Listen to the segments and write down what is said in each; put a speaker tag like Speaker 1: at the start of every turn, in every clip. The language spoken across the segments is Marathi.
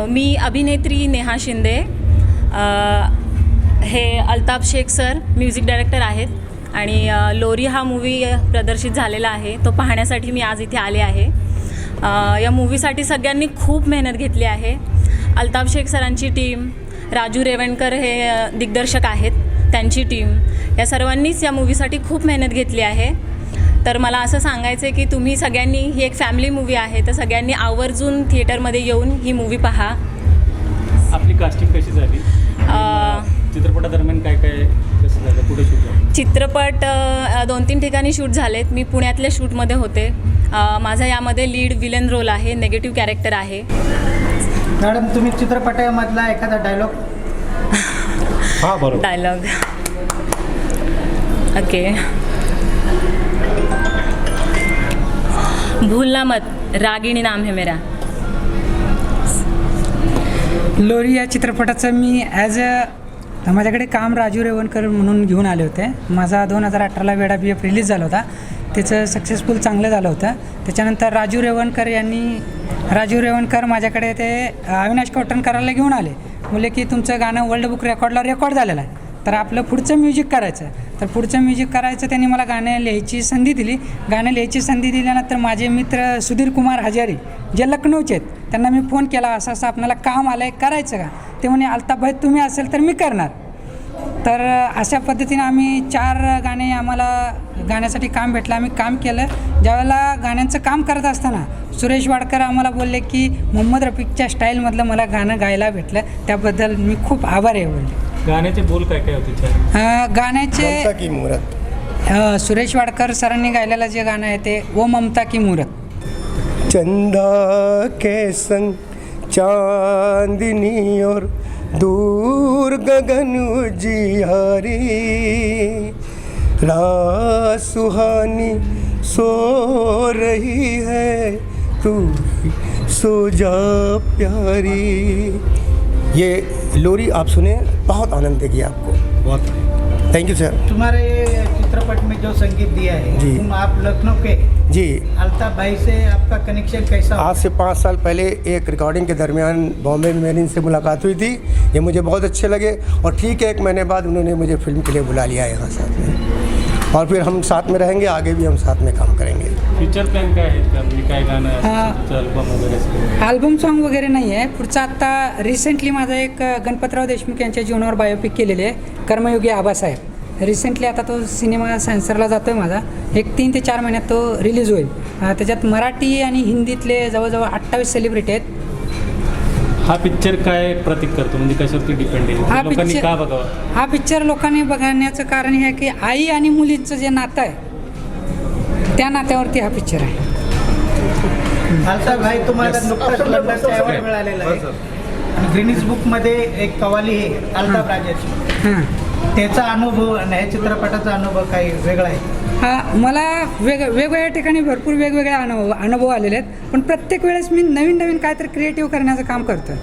Speaker 1: मी अभिनेत्री नेहा शिंदे. हे Altaf Shaikh sir music director आहेत आणि लोरी हा मूवी प्रदर्शित झालेला आहे, तो पाहण्यासाठी मी आज इथे आले आहे. या मूवीसाठी सगळ्यांनी खूप मेहनत घेतली आहे. अल्ताफ शेख सरांची टीम, राजू रेवणकर हे दिग्दर्शक आहेत, त्यांची टीम, या सर्वांनीच या मूवीसाठी खूप मेहनत घेतली आहे. तर मला असं सांगायचं आहे की तुम्ही सगळ्यांनी, ही एक फॅमिली मूवी आहे, तर सगळ्यांनी आवर्जून थिएटरमध्ये येऊन ही मूवी पहा.
Speaker 2: आपली कास्टिंग कशी झाली? चित्रपटादरम्यान काय काय कसं झालं, कुठे शूट झालं?
Speaker 1: चित्रपट 2-3 ठिकाणी शूट झालेत. मी पुण्यातल्या शूटमध्ये होते. माझा यामध्ये लीड विलन रोल आहे, नेगेटिव्ह कॅरेक्टर आहे.
Speaker 3: मॅडम, तुम्ही चित्रपटामधला एखादा डायलॉग?
Speaker 2: हां, बरोबर.
Speaker 1: Dialogue okay. भूलना मत, रागिणी नाम है मेरा.
Speaker 4: लोरी या चित्रपटाचं मी माझ्याकडे काम राजू रेवणकर म्हणून घेऊन आले होते. माझा 2018ला वेडा BF रिलीज झाला होता. त्याचं सक्सेसफुल चांगलं झालं होतं. त्याच्यानंतर राजू रेवणकर माझ्याकडे ते अविनाश कोटणकरांना घेऊन आले. बोलले की तुमचं गाणं वर्ल्ड बुक रेकॉर्डला रेकॉर्ड झालेलं आहे, तर आपलं पुढचं म्युझिक करायचं. तर पुढचं म्युझिक करायचं त्यांनी मला गाणं लिहायची संधी दिली. गाणं लिहायची संधी दिल्यानंतर माझे मित्र सुधीर कुमार हजारी, जे लखनौचे आहेत, त्यांना मी फोन केला, असं असं आपल्याला काम आलं आहे, करायचं का? ते म्हणे अल्ताफ भाई तुम्ही असेल तर मी करणार. तर अशा पद्धतीने आम्ही 4 गाणे, आम्हाला गाण्यासाठी काम भेटलं, आम्ही काम केलं. ज्यावेळेला गाण्यांचं काम करत असताना सुरेश वाडकर आम्हाला बोलले की मोहम्मद रफीकच्या स्टाईलमधलं मला गाणं गायला भेटलं, त्याबद्दल मी खूप आभारी आहे बोलले.
Speaker 2: गाण्याचे बोल काय काय होते?
Speaker 4: गाण्याचे सुरेश वाडकर सरांनी गायलेलं जे गाणं आहे ते ओ ममता की मूरत.
Speaker 5: चंदा के संग चांदनी और दूर गगन उजियारी, रात सुहानी सो रही है तू सो जा प्यारी. ये लोरी आप सुने, बहुत आनंद देगी आपको.
Speaker 2: बहुत
Speaker 5: थैंक यू सर.
Speaker 3: तुम्हारे चित्रपट में जो संगीत दिया है
Speaker 5: जी,
Speaker 3: आप लखनऊ के
Speaker 5: जी.
Speaker 3: अल्ताफ भाई से आपका कनेक्शन कैसा?
Speaker 5: आज से 5 साल पहले एक रिकॉर्डिंग के दरमियान बॉम्बे में मेरी इनसे मुलाकात हुई थी. ये मुझे बहुत अच्छे लगे और ठीक है 1 महीने बाद उन्होंने मुझे फिल्म के लिए बुला लिया यहाँ साथ में, और फिर हम साथ में रहेंगे, आगे भी हम साथ में काम करेंगे.
Speaker 2: फ्युचर प्लॅन काय आहेत का? म्हणजे काय गाणं अल्बम वगैरे?
Speaker 4: अल्बम सॉन्ग वगैरे नाही आहे. पुढचा आत्ता रिसेंटली माझा एक गणपतराव देशमुख यांच्या जीवनावर बायोपिक केलेली आहे, कर्मयोगी आबासाहेब. रिसेंटली आता तो सिनेमा सेन्सरला जातो आहे माझा. एक 3 ते 4 महिन्यात तो रिलीज होईल. त्याच्यात मराठी आणि हिंदीतले जवळजवळ 28 सेलिब्रिटी आहेत.
Speaker 2: हा पिक्चर काय प्रतीक करतो, म्हणजे कशावरती डिपेंड आहे? लोकांनी का बघावा
Speaker 4: हा पिक्चर? लोकांनी बघण्याचं कारण हे आहे की आई आणि मुलींचं जे नातं आहे, त्या नात्यावरती हा पिक्चर आहे.
Speaker 3: अल्ताफ भाई, तुम्हाला नुकताच लंडनचा अवॉर्ड मिळालेला आहे आणि ग्रीनिज बुकमध्ये एक कवाली आहे अल्ताफ राजाची.
Speaker 4: हां,
Speaker 3: त्याचा अनुभव आणि या चित्रपटाचा अनुभव काही वेगळा आहे?
Speaker 4: हा, मला वेगवेगळ्या ठिकाणी भरपूर वेगवेगळे अनुभव आलेले आहेत, पण प्रत्येक वेळेस मी नवीन काहीतरी क्रिएटिव्ह करण्याचं काम करतो.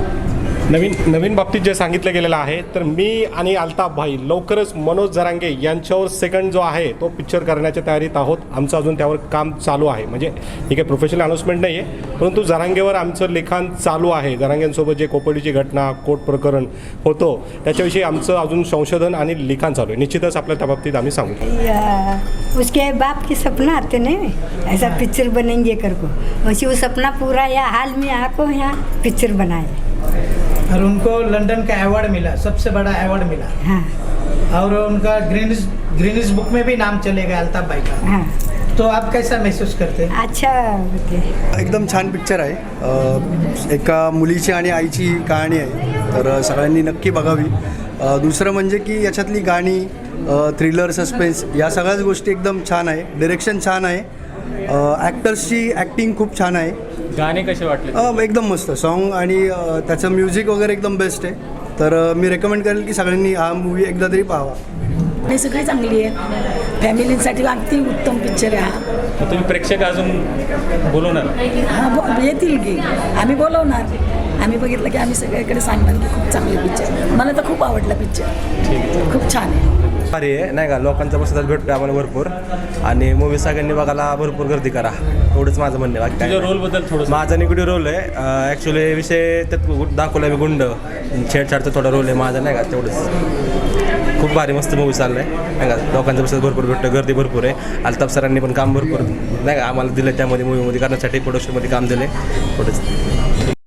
Speaker 6: नवीन बाबतीत जे सांगितलं गेलेलं आहे, तर मी आणि अल्ताफ भाई लवकरच मनोज जरांगे यांच्यावर सेकंड जो आहे तो पिक्चर करण्याच्या तयारीत आहोत. आमचं अजून त्यावर काम चालू आहे. म्हणजे ही काही प्रोफेशनल अनाऊन्समेंट नाही आहे, परंतु जरांगेवर आमचं लिखाण चालू आहे. जरांगेंसोबत जे कोपर्डीची घटना, कोर्ट प्रकरण होतो त्याच्याविषयी आमचं अजून संशोधन आणि लिखाण चालू आहे. निश्चितच आपल्या त्या बाबतीत आम्ही सांगू.
Speaker 7: उसके बाप के सपना आते नहीं, ऐसा पिक्चर बनेंगे करको, वैसे वो सपना पूरा या हाल में आपको यहाँ पिक्चर बनाए
Speaker 3: और उनको लंदन का अवार्ड मिला, सबसे बड़ा अवार्ड मिला.
Speaker 7: हाँ,
Speaker 3: और उनका ग्रीनिज बुक में भी नाम चलेगा अल्ताफ भाई का.
Speaker 7: हाँ,
Speaker 3: तो आप कैसा महसूस करते हैं?
Speaker 7: अच्छा होते.
Speaker 8: एकदम छान पिक्चर आहे. एका मुलीची आणि आईची कहाणी आहे, तर सगळ्यांनी नक्की बघावी. दुसरं म्हणजे की याच्यातली गाणी, थ्रिलर, सस्पेन्स या सगळ्याच गोष्टी एकदम छान आहे. डिरेक्शन छान आहे. ॲक्टर्सची ॲक्टिंग खूप छान आहे.
Speaker 2: गाणे कसे वाटले?
Speaker 8: एकदम मस्त सॉन्ग आणि त्याचं म्युझिक वगैरे एकदम बेस्ट आहे. तर मी रेकमेंड करेल की सगळ्यांनी हा मूवी एकदा तरी पाहावा.
Speaker 9: हे सगळी चांगली आहे, फॅमिलीसाठी अगदी उत्तम पिक्चर आहे हा.
Speaker 2: तुम्ही प्रेक्षक अजून बोलवणार?
Speaker 9: हा, येतील की आम्ही बोलवणार. आम्ही बघितलं की आम्ही सगळीकडे सांगणार की खूप चांगले पिक्चर. मला तर खूप आवडला पिक्चर, खूप छान आहे.
Speaker 10: भारी आहे नाही का, लोकांचा प्रतिसाद भेटतो आम्हाला भरपूर आणि मूवी सगळ्यांनी बघायला भरपूर गर्दी करा, एवढंच माझं म्हणणं आहे. बाकी काय
Speaker 2: तुझ्या
Speaker 10: नाही.
Speaker 2: रोलबद्दल थोडंसं
Speaker 10: माझा निगेटिव्ह रोल आहे ॲक्च्युली, विषय त्यात दाखवला मी गुंड छेडछाडचा थोडा रोल आहे माझा नाही का, तेवढंच. खूप भारी मस्त मूवी चाललं आहे नाही का, लोकांचा प्रतिसाद भरपूर भेटतो, गर्दी भरपूर आहे. अल्ताफ सरांनी पण काम भरपूर नाही का आम्हाला दिलं त्यामध्ये मूवीमध्ये करण्यासाठी, प्रोडक्शनमध्ये काम दिलं आहे, थोडंच.